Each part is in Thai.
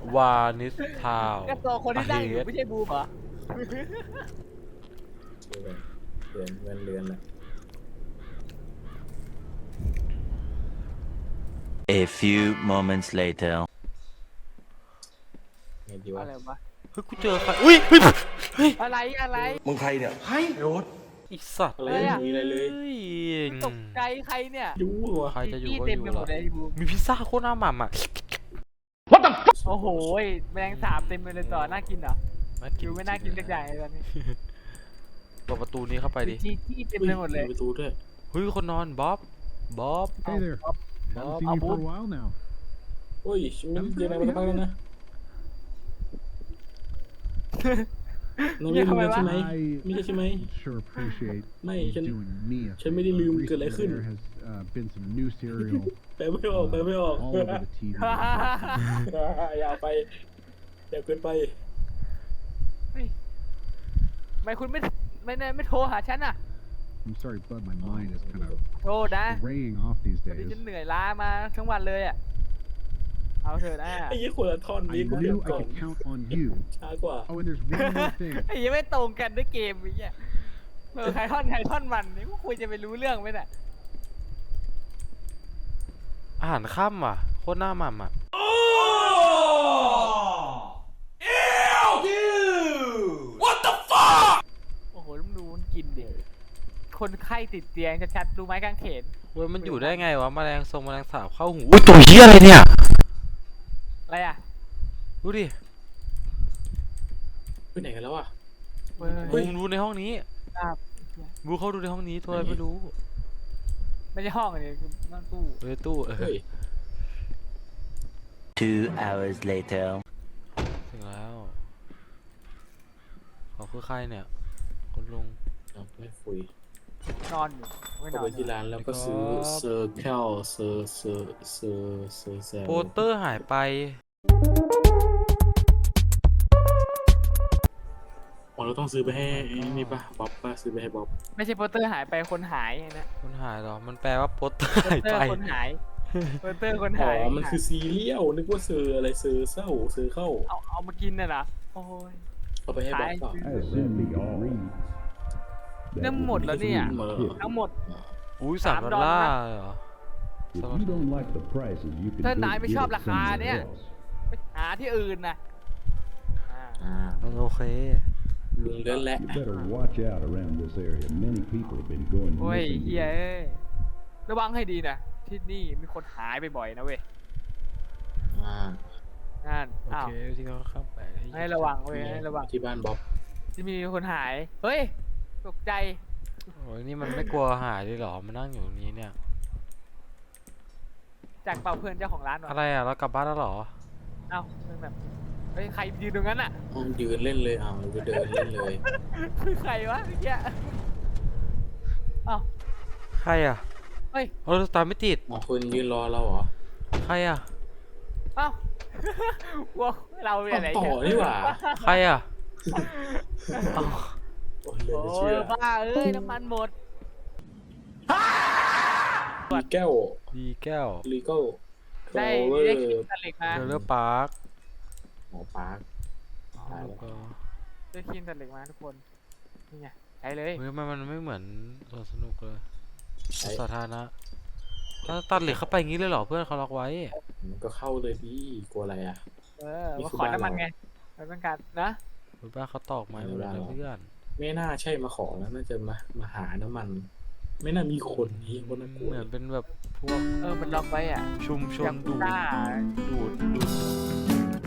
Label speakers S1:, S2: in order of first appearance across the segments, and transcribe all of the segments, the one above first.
S1: วานิสทาว
S2: ก็ตัวคนที่นั่งอยู่ไม่ใช่บูมเหรอ
S3: เดือนเงินเดือนแหละ
S4: A few moments later.
S3: ไงดีวะ
S2: อะไรวะ
S1: เฮ้ยกูเจอใครอุ้ยเฮ้ยเฮ้ย
S2: อะไร
S5: มึงใครเนี่ยให้โรถ
S1: ไอีสัตว์
S3: อะไร
S2: อะไรอะ
S3: ไม่มีอะไรเลย
S1: เฮ้ย
S2: ตกใจใครเนี่ย
S3: ยูวะ
S1: ใครจะอยู่
S2: ที่
S1: ก็
S2: เต็
S1: อ
S2: ม
S1: ยู่
S2: ไปหมดเลยบูม
S1: มีพิซซ่าโคตรน่าหม่ำอ่ะ
S2: โอ้โหแมลงสาบเต็มไปเลยต่อน่ากินเหรอคิวไม่น่ากินสักอย่างเลยตอนนี้
S1: เปิดประตูนี้เข้าไปดิ
S2: ที่เต็มไปหมดเลย
S3: ประตูด้วย
S1: เฮ้ยคนนอนบ๊อบ
S6: Hey there. Haven't seen you for a while now.
S3: โอ้ยไม่ได้เจออะไรมาสักพักแล้วนะนายไม่ลืมใช่ไหม
S6: I
S3: ไม่ใช่ใช่ไหม
S6: sure appreciate
S3: ไม่
S6: you
S3: ฉัน
S6: doing me a
S3: ฉันไม่ได้ลืม
S6: favor.
S3: เกิดอะไรขึ้น
S6: Recently, there has been some new cereal
S3: แปลไม่ออกแปลไม่ออก
S6: all over the TV.
S3: อย่าไปอย่าเกินไป
S2: ทำไมคุณไม่โทรหาฉันอ่ะ
S6: I'm sorry, bud. My mind is kind of
S2: โทรนะ
S6: raying off these
S2: วันนี้
S6: days.
S2: ฉันเหนื่อยล้ามาทั้งวันเลยอ่ะเอาเถอะนะ
S3: ไอ้ยี่คนละท่อน
S6: I
S3: นี้กูเดี๋ยว
S6: knew
S3: ก่อ
S6: I
S3: น
S6: could count on you.
S3: ช้ากว่า
S6: Oh, and there's one more thing.
S2: ไอ้ยังไม่ตรงกันด้วยเกมไอ้เนี่ยใครท่อนมันนี่กูควรจะไปรู้เรื่องไหมเนี่ย
S1: อาหารค่ำอ่ะโคตรน่าหม่ำอ่ะ
S2: โอ้โหแล้วมึงดูมันกินดิคนไข้ติดเตียงชัดๆรู้ไหมกางเขน
S1: เว้ยมันอยู่ได้ไงวะแมลงแมลงสาบเข้าหูอุ้ยตัวเหี้ยอะไรเนี่ย
S2: อะไรอ่ะ
S1: ดูดิ
S3: ไปไหนกันแล้วอ่ะ
S2: เว้
S1: บู
S2: ย
S1: มดูในห้องนี้
S2: ครับ
S1: บูเข้าดูในห้องนี้ตัวอะไรไม่รู้
S2: ไม่ใช่ห้องอันนี้คือนั่งตู้
S1: เฮ้ยตู้
S3: เฮ้ย
S4: 2 hours later.
S1: ถึงแล้วเขาคือใครเนี่ยคุณลุง
S3: เอาไม่คุย
S2: นอนอยู่ไม่น
S3: เข้า
S2: อน
S3: ไปที่ร้านแล้วก็ซื้อเซอร์แคลเซอร์แซล
S1: โปสเตอร์หายไป
S3: อ๋อเราต้องซื้อไปให้นี่ป่ะบ๊อบป่ะซื้อไปให้บ๊อบ
S2: ไม่ใช่โปสเตอร์หายไปคนหายนะ
S1: คนหายเหรอมันแปลว่าโปสเตอร์
S2: โป
S1: หา
S2: ส
S1: ย
S2: เตอ
S1: ไป
S2: ร์คนหายโปสเตอร์คน
S3: อ๋
S2: หาย
S3: อมันคือซีเรียลนึกว่าเซอร์อะไรเซอร์เศร้าเซอร์เข้า
S2: เอามากินน่ะนะโอ้ย
S3: เอาไปให้บ๊อบเปล่า
S6: I assume you can read.
S2: เริ่มหมดแล้วเนี่ย
S3: เหมอ
S2: ทั้งหมด
S1: อุ้ย
S2: สาม
S1: 3 ดอลลาร์เหรอ
S7: If you don't like the prices, you can
S2: ถ้า
S7: go
S2: นายไม่ชอบ
S7: get it
S2: ราคาเนี่ย
S7: somewhere else.
S2: ไปหาที่อื่นนะอ่า
S1: โอเค
S3: ลุงเดินแหละ
S7: You better watch out around this area. Many people have been going
S2: โอ้ย
S7: missing
S2: เฮีย
S7: here.
S2: เอ้ยระวังให้ดีนะที่นี่มีคนหายบ่อยๆนะเว้ย
S3: อ่า
S2: นั่น
S1: โอ
S2: อ้าว
S1: เคที่เขาข้ามไป
S2: ให้ระวังเว้ยให้ระวัง
S3: ที่บ้านบ๊อบ
S2: ที่มีคนหายเฮ้ยตกใจ
S1: โอ้ยนี่มันไม่กลัวหายเลยเหรอมานั่งอยู่ตรงนี้เนี่ย
S2: จากเป่าเพื่อนเจ้าของร้านวะ
S1: อะไรอ่ะเรากลับบ้านแล้วเหรอ
S2: เอ้าเรื่องแบบเฮ้ยใครยืนตรงนั้นอ่ะ
S3: อ้าวยืนเล่นเลยอ้าวเราไปเดินเล่นเลย
S2: ใครวะเมื่อกี้เอ้า
S1: ใครอ่ะ
S2: เฮ้ย
S1: เออตามไม่ติด
S3: อ๋อคนยืนรอเราเหรอ
S1: ใครอ่ะ
S2: เอ้าว้าวเราเป็นอะไร
S3: ต่อนี่หว่า
S1: ใครอ่ะ
S3: โอ้ยเลย
S2: โอ้
S3: ไม่เชื่
S2: ย
S3: อ
S2: บ้าเอ้ยน้ำมันหมด
S3: มีแก้ว
S1: ดีแก้ว
S3: ลีโก้
S2: ได้
S3: เวอ
S2: ได้
S3: ร์
S2: ครีมตัดเหล็กมา
S1: เดลเลอร์พาร์ค
S3: หมอปาร์ค ตายแล้ว
S2: ได้ครีมตัดเหล็กมาทุกคนนี่ไงใช้เลย
S1: เฮ้ยมันไม่เหมือนสวนสนุกเลย
S3: ใช้
S1: สาธารณะถ้าตัดเหล็กเข้าไปอย่างนี้เลยเหรอเพื่อนเขาล็อกไว้
S3: มันก็เข้าเลยดิกลัวอะไรอ่ะ นี่
S2: มา
S3: คือ
S2: ขอ
S3: บ้าน
S2: น้ำมัน
S3: เรา
S2: ไงเราต้องการนะ
S1: เฮ้ยบ้าเขาตอกไม้หมดเลยนะเพื่อน
S3: ไม่น่าใช่มาขอแล้วน่าจะมาหาน้ำมัน ไม่น่ามีคนนี้คนน่ากลัว
S1: เหมือนเป็นแบบพวก
S2: มันล็อกไว้อ่ะ
S1: ชุมชน
S2: ยัง
S1: ดูด
S2: ต้า
S1: ดูด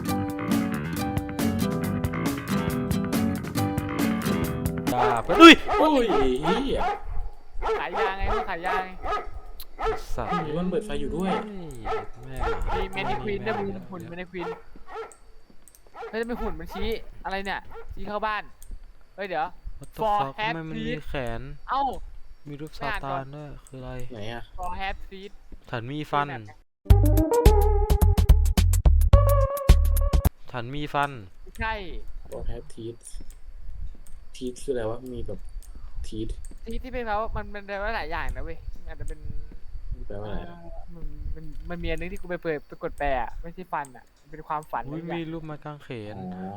S1: ด่าไปอุ้ย
S3: โอ้ยเฮีย
S2: ขายยาไงขายยาไง
S1: สัตว์
S3: มีมันเปิดไฟอยู่ด้วย
S1: แม่
S2: มีเมนิควีนด้วยมึงหุ่นเมนิควีนเฮ้ยจะไม่หุ่นมันชี้อะไรเนี่ยชี้เข้าบ้านเฮ้ยเดี๋ยว
S1: for
S2: For
S1: ทำไมมันมี
S2: happy
S1: แขน
S2: เอ้า
S1: มีรูป
S2: ไม่
S1: ซา
S2: อ่านก่
S1: ตา
S2: อน
S1: นด้วยคืออะไร
S3: ไหนอ่ะ
S2: for have seed
S1: ฉันมีฟัน ฉันมีฟัน
S2: ใช่
S3: ก็แฮปทีทีคืออะไรวะมีแบบที
S2: ที่เป็นเขามันเป็นได้ว่าหลายอย่างนะเว้ยอาจจะเป็น
S3: แปลว่าอะไรอะ
S2: มันมีอันนึงที่กูไปเปิดไปกดแปลอะไม่ใช่ฟันอะมันเป็นความฝัน
S1: อุ้ย
S2: อะไร
S1: มี
S2: อย่าง
S1: รูปไม้กางเขน
S3: อ๋อ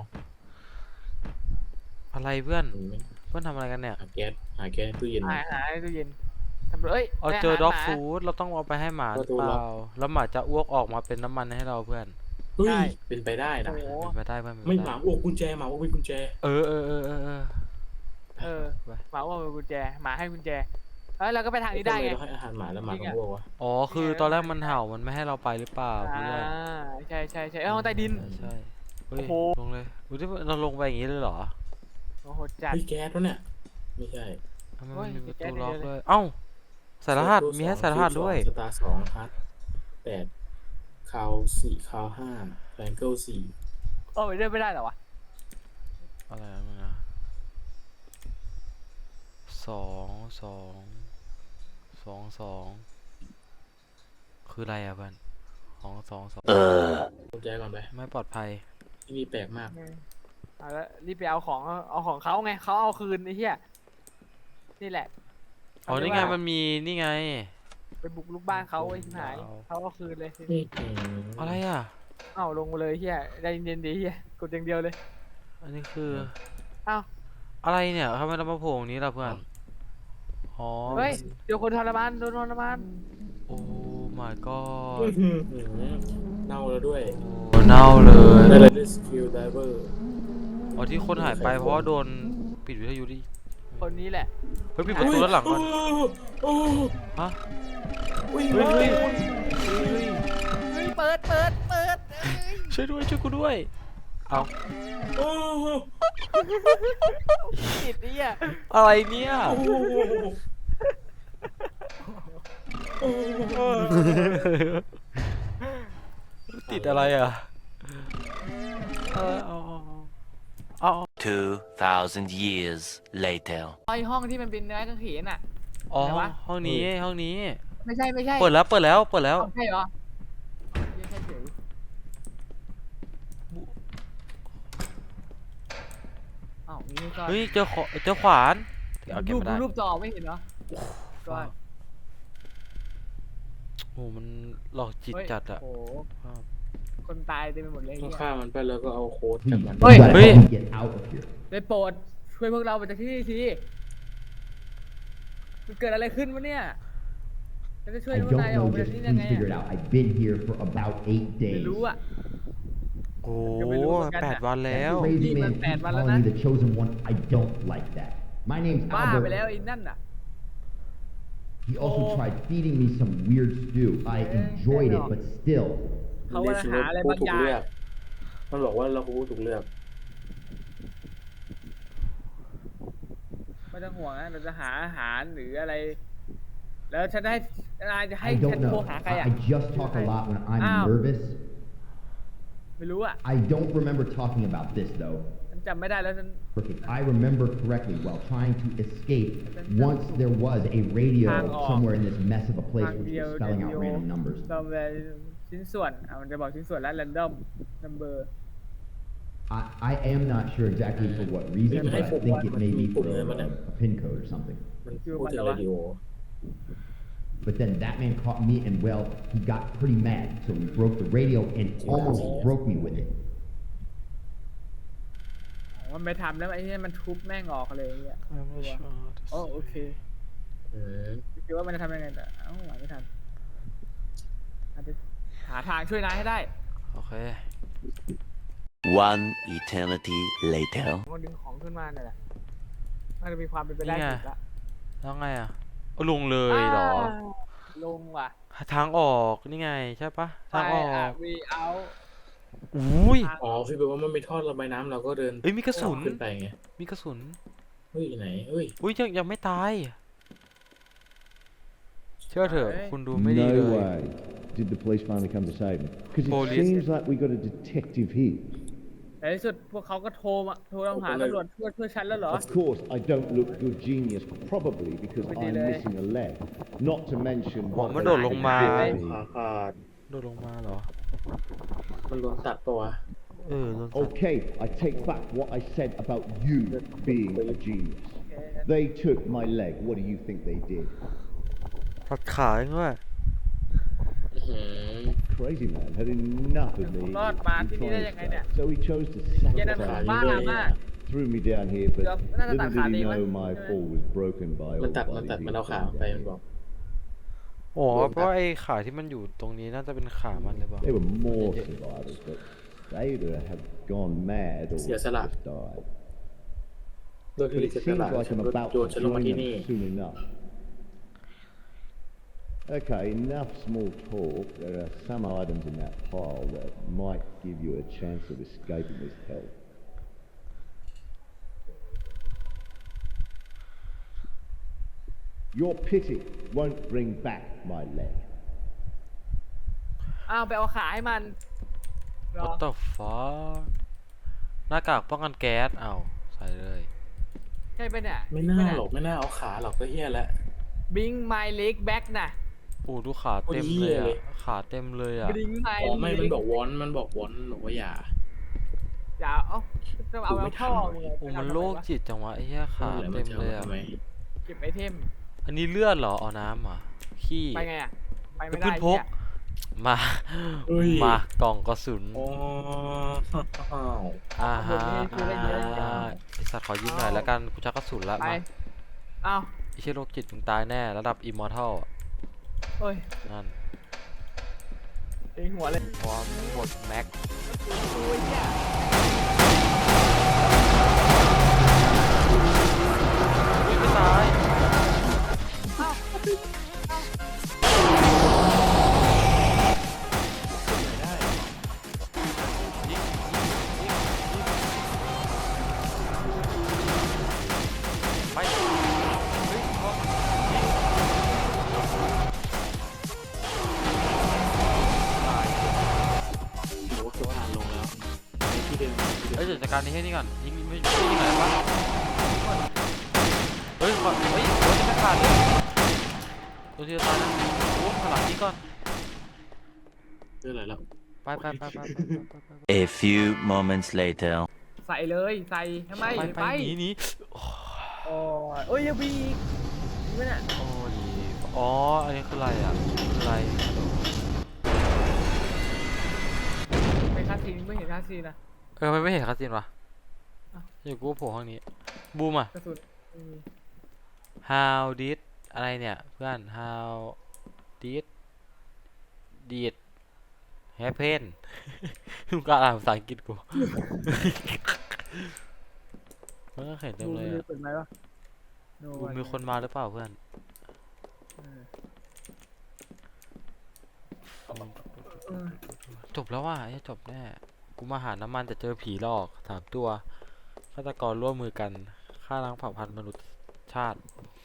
S1: อะไรเพื่อน
S3: มันไม่
S1: เพื่อนทำอะไรกันเนี่ย
S3: หาแก๊สในตู้เย็น
S2: หาในตู้เย็นทำเอ้ย
S1: เอา
S2: ได้
S1: เจอ
S2: หาร
S1: ด็อก
S2: หมา
S1: ฟู้ดเราต้องเอาไปให้หมาห
S3: ป
S1: รื
S3: ระ
S1: อ
S3: ตู
S1: เป
S3: ล็อก
S1: ล่าแล้วหมาจะอ้วกออกมาเป็นน้ำมันให้เราเพื่อน
S3: เฮ้
S2: ได้
S3: ยเป็นไปได้นะ
S2: โอ้โห
S1: เป็นไปได้เพื่อน
S3: ไม่
S1: เป็น
S3: ห
S1: ป
S3: มา
S1: ด้
S3: อ้วกกุญแจหมาอ้วกเป็นกุญแจ
S1: เออ
S2: เออ
S1: ไป
S2: หมาว่าเป็นกุญแจหมาให้กุญแจเราก็ไปทางนี้ได้ไง
S3: ทำมเราให้อาหารหมาแล้วหมา
S2: จริ
S3: ก็
S2: งอะ
S3: อ้วกวะ
S1: อ๋อคือตอนแรกมันเห่ามันไม่ให้เราไปหรือเปล่า
S2: อ่า
S1: เพื่อน
S2: ใช่ห้องใต้ดิน
S1: ใช่เฮ้ย
S2: โอ้โห
S1: ลงเลยอุ้ยเราลงไปอย่างนี้เลยเหรอ
S2: โอ้โหจัด
S3: เฮ้ยแก๊สวะเนี่ยไม่ใช่
S1: ทำไม
S2: โอ้
S1: มัน
S2: ย
S1: มีประ
S2: แก๊
S1: ตู
S2: ส
S1: ล็อก
S2: เดียวเลย
S1: ด้วยเอ้าใส่รหัสมีให้ใส่รหัสด้วย
S3: สตาร์2ฮัท8คาว4คาว5แฟงเกิล4
S2: ไปเดินไม่ได้เหรอวะ
S1: อะไรนะสองคืออะไรอ่ะเพื่อน2
S3: กุญแจก่อนไป
S1: ไม่ปลอดภัย
S3: ที่นี่แปลกมาก
S2: เอาแล้วรีบไปเอาของเขาไงเขาเอาคืนไอ้เหี้ยนี่แหละ
S1: อ๋อนี่ไงมันมีนี่ไง
S2: ไปบุกลูกบ้านเขาไอ้ชิบหายเขาเอาคืนเลย
S1: อะไรอ่ะ
S2: เอ้าลงมาเลยเหี้ยใจเย็นๆดิเหี้ยกดอย่างเดียวเลย
S1: อันนี้คือ
S2: เอ้า
S1: อะไรเนี่ยทำไมเรามาโผล่ตรงนี้ล่ะเพื่อนอ๋อ
S2: เฮ้ยเดี๋ยวคนทรมานโดนทรมาน
S1: โอ้ my god
S3: เน่าแล้วด้วย
S1: โอ้เน่าเลย
S3: ได้เลย Skill Diver
S1: อ๋อที่คนหายไปเพราะว่าโดนปิดวิทยุดิ
S2: คนนี้แหละ
S1: เฮ้ยปิดประตูด้านหลังก่อน
S3: โอ้
S1: ฮะ
S3: วิ่ง
S1: เฮ้ย
S3: เล
S1: เฮ้ย
S3: ย
S2: เฮ้ยเปิด
S1: ช่วยด้วยช่วยกูด้วยเอา
S3: โอ้
S2: ติดไอ้เหี้ย
S1: อะไรเนี่ย ติดอะไรอ่ะเอา
S4: 2,000 years later.
S2: ไอห้องที่มันเป็นเนื้อกางเขนอ่ะ
S1: อ๋อ
S2: ไหนวะ
S1: ห้องนี้ห้องนี้
S2: ไม่ใช่
S1: เปิดแล้ว
S2: เอาใช่เหรอไม่ใช่เฉยอ้าวนี่ก็
S1: เฮ้ยเจอขวานเอาเก็บ
S2: รูป
S1: ไม่ได้
S2: รูปจอไม่เห็นเหรอก็
S1: โอ้มันหลอกจิตจัดอะ
S2: โอ้โหคนตายเต็มไปหมดเลย
S3: ต้อง
S2: เนี่ย
S3: ฆ่ามันไปแล้วก็เอาโค้ดจากมัน
S2: เฮ้ย
S7: You gotta help me get out of here.
S2: ได้โปรดช่วยพวกเราไปจากที่นี่ทีมันเกิดอะไรขึ้นวะเนี่ยเราจะช่วย
S7: I
S2: พวก
S7: don't
S2: นายออก
S7: know,
S2: ไปจาก
S7: just
S2: ที่นี่ยังไง
S7: please figure it
S2: อะ
S7: out. I've been here for about 8
S2: ไม่
S7: days.
S2: รู้อ่ะ
S1: โอ้
S2: ยังไม่รู้เหมือนกันอะ
S1: 8 วันแล้ว
S7: That crazy
S2: Di
S7: man
S2: man
S7: keeps
S2: bad wala
S7: calling
S2: na.
S7: me the chosen one. I don't like that. My name's
S2: บ้าไปแล้ว
S7: Albert.
S2: ไอ้นั่นน่ะ
S7: He also
S2: Oh.
S7: tried feeding me some weird stew. I enjoyed it, but still.
S2: เขาว่าหาอะไรบางอย่าง
S3: มันบอกว่าเราผู้ถูกเลือก
S2: ไม่ต้องห่วงนะเราจะหาอาหารหรืออะไร แล้วฉันให้นายจะให้
S7: I
S2: ฉัน
S7: don't
S2: โทร
S7: know.
S2: หาใครอ่ะ
S7: I just talk a lot when I'm
S2: Ow.
S7: nervous.
S2: ไม่รู้อ่ะ
S7: I don't remember talking about this though.
S2: ฉันจำไม่ได้แล้วฉัน
S7: If I remember correctly, while trying to escape, once there was a radio
S2: Hang on.
S7: somewhere in this mess of a place which
S2: Radio,
S7: was spelling out
S2: radio.
S7: random numbers.
S2: ตอมเลยชิ้นส่วนมันจะบอกชิ้นส่วนแล้ว random number
S7: I am not sure exactly for what reason, but I think it may be for a pin code or something.
S3: มันพูดถึงเรดิโอ
S7: But then that man caught me, and well, he got pretty mad, so he broke the radio and almost broke me with it.
S2: มันไม่ทำแล้วไอ้เนี่ยมันทุบแม่งออกเลยอ่ะโอ้โอเคคิดว่ามันจะทำยังไงแต่เอ้าหาไม่ทันอาจจะหาทางช่วยนายให้ได้
S1: โอเค
S4: One eternity later.
S2: มันดึงของขึ้นมาเนี่ยแหละน่าจะมีความเป็นไปได้
S1: นี่ไง
S2: สุดละ
S1: แล้วไงอ่ะเอาลงเลยเหรอ
S2: ลงว่ะ
S1: ทางออกนี่ไงใช่ปะทางออก
S2: วีเอา
S1: อุ้ย
S3: อ๋อคือแบบว่ามันมีท่อระบายน้ำเราก็เดิน
S1: เอ้ยมีกระสุน
S3: ขึ้นไปไง
S1: มีกระสุน
S3: เฮ้ยไหนเฮ้ย
S1: อุ้ยยังไม่ตาย เชื่อเถอะคุณดูไม่ดีเล
S6: No
S1: ย
S6: way did the police finally come to save me. Because it
S1: Police.
S6: seems like we got a detective here.
S2: ในที่สุดพวกเขาก็โทรหาตำรวจช่วยฉันแล้วเหรอ
S6: Of course, I don't look good genius, probably because
S2: We
S6: I'm
S2: did,
S6: missing a leg. Not to mention
S1: หัว
S6: what
S1: มัน
S6: they
S1: โดดลงมา
S6: did to
S3: ขา
S6: me.
S3: ขาด
S1: โดดลงมาเหรอ
S3: มันโดนตัดตัว
S1: โดนตัด
S6: Okay, I take back what I said about you being a genius. They took my leg. What do you think they did?
S1: ตัดขาเองด้วย
S3: หือ
S6: Crazy man had enough of me.
S2: รอดมาที่นี่ได้ยังไงเนี่ย
S6: So he chose to
S2: เย็นนั้น
S6: sabotage
S2: บ้า
S6: me,
S2: มาก
S6: threw me down here, but
S2: Được, nó
S6: little
S2: tạt
S6: did
S2: khả
S6: he
S2: đi
S6: know
S2: mất.
S6: my fall was broken by
S3: มัน
S6: all
S3: ตัด
S6: bodies
S3: มันเอา
S6: he
S3: ขา
S6: had
S3: ไป
S6: down.
S3: มันบอก
S1: โอ้เพราะไอ้ขาที่มันอยู่ตรงนี้น่าจะเป็นขามันเลยเปล่า
S6: There were more survivors, but they either have gone mad or
S3: เสียสละ
S6: just died.
S3: โดย
S6: But
S3: ที่
S6: it
S3: เสร็จ
S6: seems
S3: แล้ว
S6: like
S3: ฉัน
S6: I'm
S3: ก็
S6: about
S3: โย
S6: to
S3: นฉันลงมา
S6: join
S3: ที่
S6: them
S3: นี่
S6: soon enough. Okay, enough small talk. There are some items in that pile that might give you a chance of escaping this hell. Your pity won't bring back my leg.
S2: อ้าวไปเอาขาให้มันเหรอ
S1: What the fuck หน้ากากป้องกันแก๊สเอาใส่เลย
S2: ใช่ปะเนี่ย
S3: ไม่น่าหรอกไม่น่าเอาขาหรอกก็เฮี้ยแล้ว
S2: บิงไมเล็กแบ็กน่ะ
S1: โอ้ดูขาเต็มเลย
S3: โอ้ยเหี้ยเล
S1: อ่ะ
S3: ย
S1: ขาเต็มเลยอ่ะ
S2: บิงไม
S3: อ๋อไม่
S2: เล็
S3: มัน
S2: ก
S3: บอกวอนมันบอกว่าอย่า
S2: อย่าเอาจะเอาแล้วท่อมึงเลย
S1: โอ้มันโรคจิตจังวะไอ้เหี้ยขาเต็มเลยอ่ะ
S3: ทำไม
S2: เก็บไอเทม
S1: อันนี้เลือดเหรอเอาน้ำเหรอขี้
S2: ไปไงอ่ะ ไปไม่
S1: เพื่
S2: ได้
S1: อนพก
S2: เนี่ย
S1: มา
S3: เอ้ย
S1: มากล่องกระสุน
S3: อ๋ออ้าว
S1: อ่าฮะไอสัตว์ขอยืมหน่อยแล้วกันกูชักกระสุนละ
S2: ไป
S1: มา
S2: เอา
S1: ไอเชี่ยโรคจิตมึงตายแน่ระดับอิมมอร์ทัล
S2: เอ้ย
S1: นั่น
S2: ตีหัวเลย
S1: พร้อมหมดแม็ก
S2: โอ้ยเนี่ย
S1: ไม่ตาย ไปเฮ้ยพอ
S3: โอ้โหผ่านลงแล้วในที่เดิมที่เดิม
S1: เฮ้ยเดี๋ยวจัดการนี้ให้นี่ก่อนยิงไม่ยิงไหนวะเฮ้ยขอเฮ้ยโอ้ยไม่ขาดเลยตัวที่จะตายนะโอ้ขางหลังนี้ก่อน
S3: เรื่องอะไรแล้ว
S1: ไปไปไปไป
S4: A few moments later.
S2: ใส่เลยใส่ทำไม
S1: ไป
S2: ไป
S1: หนีหนี
S2: โอ้ยเอ้ยยังมีอีกนี่มันอ่ะ
S1: โอ้ดีอ๋ออันนี้คืออะไรอ่ะคืออะไร
S2: ไม่คาซีนไม่เห็นคาซีนนะ
S1: มันไม่เห็นคาสินวะ
S2: อ้าว
S1: อยู่กูโผล่ห้องนี้บูมอ่ะ
S2: กระสุนไม่มี
S1: how did อะไรเนี่ยเพื่อน how did happen มึงก็อ่านภาษาอังกฤษกู มันก็เขียนเต็ม
S2: ดู
S1: เลย
S2: มือ
S1: อ่ะ
S2: เปิดไหมวะ No
S1: บูม
S2: one
S1: มีคนมาหรือเปล่าเพื่อน
S2: เออเออ
S1: จบแล้วว่ะไอ้จบแน่กูมาหาน้ำมันแต่เจอผีหลอก3 ตัวฆาตกรร่วมมือกันฆ่าล้างเผ่าพันธุ์มนุษยชาติ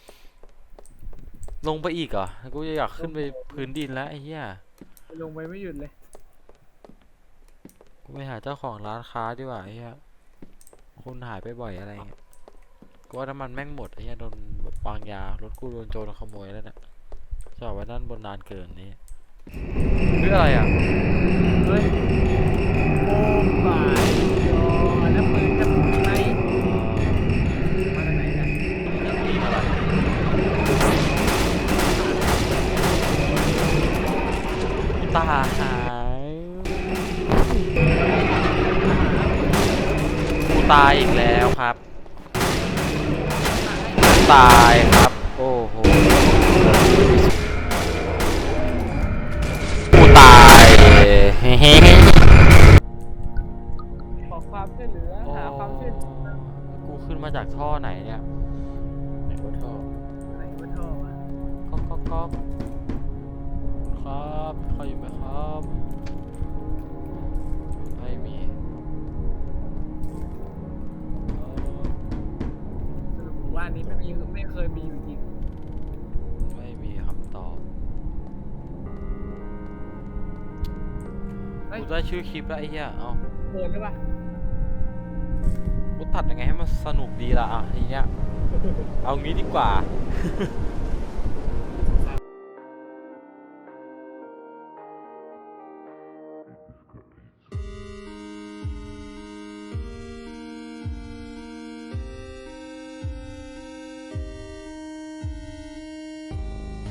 S1: ลงไปอีกเหรอกูจะอยากขึ้นไปพื้นดินแล้วไอ้เหี้ย
S2: ลงไปไม่หยุดเลย
S1: กูไปหาเจ้าของร้านค้าดีกว่าไอ้เหี้ยคนหายไปบ่อยอะไรเงี้ยกูว่าน้ำมันแม่งหมดไอ้เหี้ยโดนวางยารถกูโดนโจรขโมยแล้วเนี่ยจอดไว้ด้านบนนานเกินนี่เรื่องอะไรอ่ะ
S2: เฮ้ยโอ้บ่ายโอ้แล้วปืนจะถูกไหมมาจากไหนเนี่ย
S1: ตายกูตายอีกแล้วครับตายครับโอ้โหกูตายเฮ้
S2: ขอความช่วยเหลือหาความช่วยเหลือ
S1: กูขึ้นมาจากท่อไหนเนี่ย
S3: ไหนว่าท่อ
S2: ไหนวะท่อวะ
S1: ก๊อกครับใครอยู่ไหมครับไม่มีเออ
S2: สรุปหมู่บ้านนี้ไม่เคยมีอยู่จริง
S1: ไม่มีคำตอบ
S2: เฮ้ย
S1: กูได้ชื่อคลิปแล้วไอ้เหี้ยเอ้า
S2: เกินหรือเปล่า
S1: กูตัดยังไงให้มันสนุกดีล่ะอ่ะทีเนี้ย เอางี้ดีกว่า